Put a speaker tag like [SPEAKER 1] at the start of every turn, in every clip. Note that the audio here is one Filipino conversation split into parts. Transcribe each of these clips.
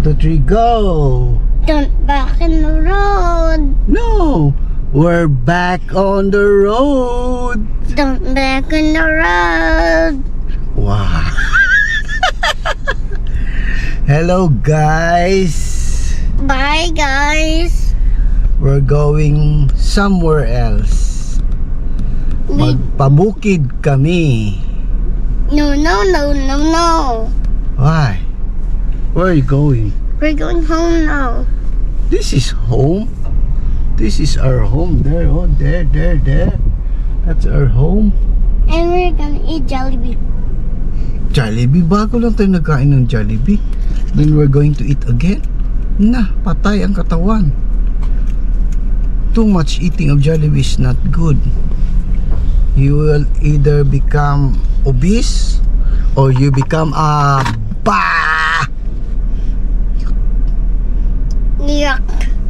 [SPEAKER 1] 2, 3, go!
[SPEAKER 2] Don't back in the road.
[SPEAKER 1] No! We're back on the road!
[SPEAKER 2] Don't back in the road.
[SPEAKER 1] Wow! Hello guys!
[SPEAKER 2] Bye guys.
[SPEAKER 1] We're going somewhere else. Magpabukid kami.
[SPEAKER 2] No.
[SPEAKER 1] Why? Where are you going?
[SPEAKER 2] We're going home now.
[SPEAKER 1] This is home. This is our home. There, oh, there. That's our home.
[SPEAKER 2] And we're gonna eat Jollibee.
[SPEAKER 1] Jollibee, bago lang tayo nagkain ng Jollibee. Then we're going to eat again. Na, patay ang katawan. Too much eating of Jollibee is not good. You will either become obese or you become a
[SPEAKER 2] Yuck.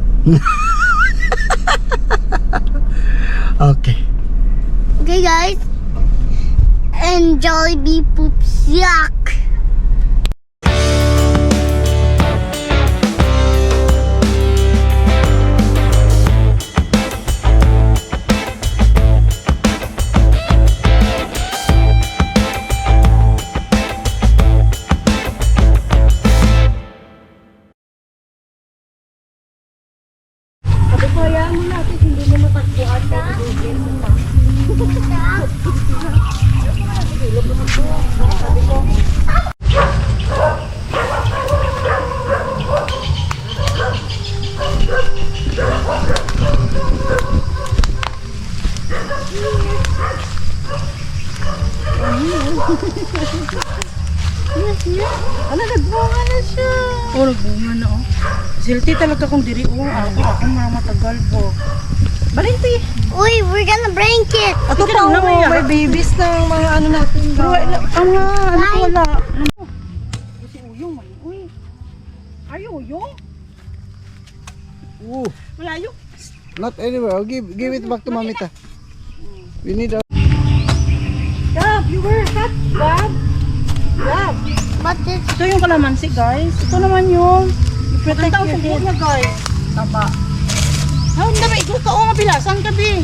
[SPEAKER 1] Okay.
[SPEAKER 2] Okay guys. And Jollibee poops yuck.
[SPEAKER 3] Kaya mo natin hindi mo matagpuan dahil weekend mo pa. Sabi ko, ano, nagbunga na siya. Oh, nagbunga na oh. Silti talaga kung diri oh. Ako mga matagal po. Balinti.
[SPEAKER 2] Uy, we're gonna break it.
[SPEAKER 3] Ato pa oh, may babies ng mga ano natin. Pero ano wala. Si Uyong man. Uy. Are you Uyong?
[SPEAKER 1] Ooh,
[SPEAKER 3] Malayo.
[SPEAKER 1] not anywhere. I'll give it back to Mamita. We need a...
[SPEAKER 3] Gab, you were hot, Gab. Gab.
[SPEAKER 2] But this
[SPEAKER 3] Ito yung kalamansi, guys. Ito naman yung protect your head. Niya, guys. Taba. Ah, hindi ba? Ikaw ka o nga bilasan ka, Bi.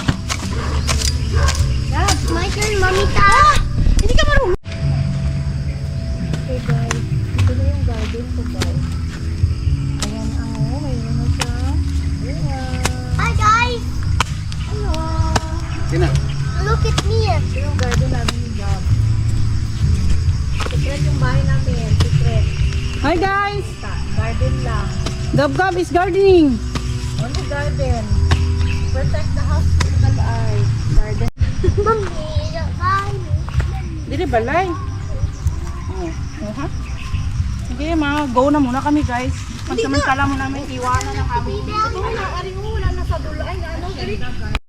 [SPEAKER 3] Gab.
[SPEAKER 2] my turn, Mamita.
[SPEAKER 3] Hindi ka marunong. Okay, guys. Ito na yung garden ko, guys. Ayan ang mayroon na siya.
[SPEAKER 2] Hi guys. Hello.
[SPEAKER 1] Sina?
[SPEAKER 2] Look at me.
[SPEAKER 3] Ito yung garden namin ni Gab. Secret yung bahay namin. Secret. Hi, guys. Garden lang. Gab is gardening. Only garden. Protect the house from the eye. Garden.
[SPEAKER 2] Mamita, bye.
[SPEAKER 3] Dili balay. Ha? Sige, go na muna kami, guys. Pansamantala mo namin iwanan na kami.
[SPEAKER 2] Mamita.
[SPEAKER 3] Ito na, ari wala na sa dulo. Ay, ano,